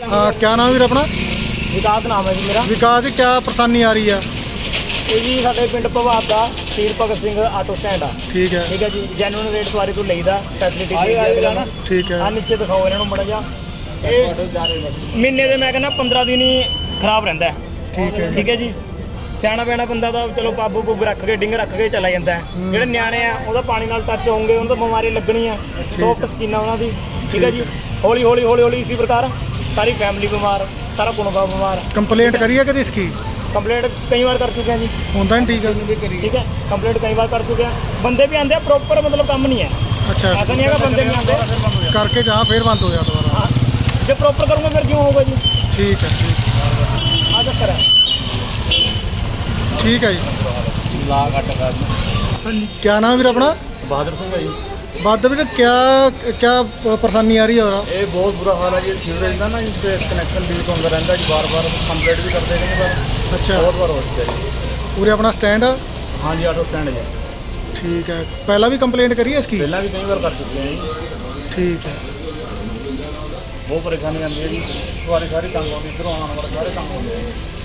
हाँ, क्या नाम है अपना? विकास नाम है जी मेरा। विकास जी, क्या परेशानी आ रही है? ਇਹ ਜੀ ਸਾਡੇ ਪਿੰਡ ਭਵਾਬ ਦਾ ਸ਼ਹੀਦ ਭਗਤ ਸਿੰਘ ਆਟੋ ਸਟੈਂਡ ਆ। ठीक है, ਠੀਕ ਹੈ ਜੀ, ਜੈਨੂਅਨ ਰੇਟ ਸਵਾਰੀ ਤੋਂ ਲਈਦਾ, ਫੈਸਿਲਿਟੀ ਮਿਲਦੀ ਹੈ। ठीक है, ਆ ਨੀਚੇ ਦਿਖਾਓ ਇਹਨਾਂ ਨੂੰ ਮੜਾ ਜਾ। ਇਹ ਮਹੀਨੇ ਦੇ ਮੈਂ ਕਹਿੰਦਾ 15 ਦਿਨ ਹੀ ਖਰਾਬ ਰਹਿੰਦਾ ਹੈ। ठीक है, ਠੀਕ ਹੈ ਜੀ, ਸਿਆਣਾ ਪਿਆਣਾ ਬੰਦਾ ਤਾਂ ਚਲੋ ਪਾਬੂ ਪੁੱਗ ਰੱਖ ਕੇ ਡਿੰਗ ਰੱਖ ਕੇ ਚਲਾ ਜਾਂਦਾ ਹੈ। ਜਿਹੜੇ ਨਿਆਣੇ ਆ ਉਹਦਾ ਪਾਣੀ ਨਾਲ ਟੱਚ ਹੋਣਗੇ, ਉਹਨਾਂ ਤੋਂ ਬਿਮਾਰੀ ਲੱਗਣੀ ਆ, ਸੌਫਟ ਸਕਿਨ ਆ ਉਹਨਾਂ ਦੀ। ਠੀਕ ਹੈ ਜੀ, ਹੌਲੀ ਹੌਲੀ ਹੌਲੀ ਹੌਲੀ ਇसी प्रकार ਸਾਰੀ ਫੈमिली बीमार, सारा कुनबा बीमार। कंप्लेंट करी है कभी इसकी? कंप्लेंट कई बार कर चुके हैं जी। होता नहीं, ठीक है, ठीक है, कंप्लेंट कई बार कर चुके हैं। बंदे भी आते हैं प्रॉपर, मतलब काम नहीं है। अच्छा, ऐसा नहीं है कि बंदे नहीं आते। करके जहाँ फिर बंद हो गया दोबारा। हाँ, जब प्रॉपर करूँगा फिर क्यों होगा जी? ठीक है, आ चक्कर है। ठीक है जी। क्या नाम है अपना? बहादुर सिंह है जी। बात बेटा, क्या क्या परेशानी आ रही है? और ये बहुत बुरा हाल है जी। सीवरेज का ना इनसे कनेक्शन लीक होता रहता है जी, बार बार कंप्लेंट भी करते हैं पर अच्छा, बहुत बार हो चुका है जी। पूरे अपना स्टैंड है? हाँ जी, ऑटो स्टैंड है। ठीक है, पहला भी कंप्लेंट करी है इसकी? पहला भी कई बार कर चुके हैं जी। ठीक है, बहुत परेशानी आती है जी, सवारी सारी तंग होती, इधरों आना वाला सारे तंग होते हैं।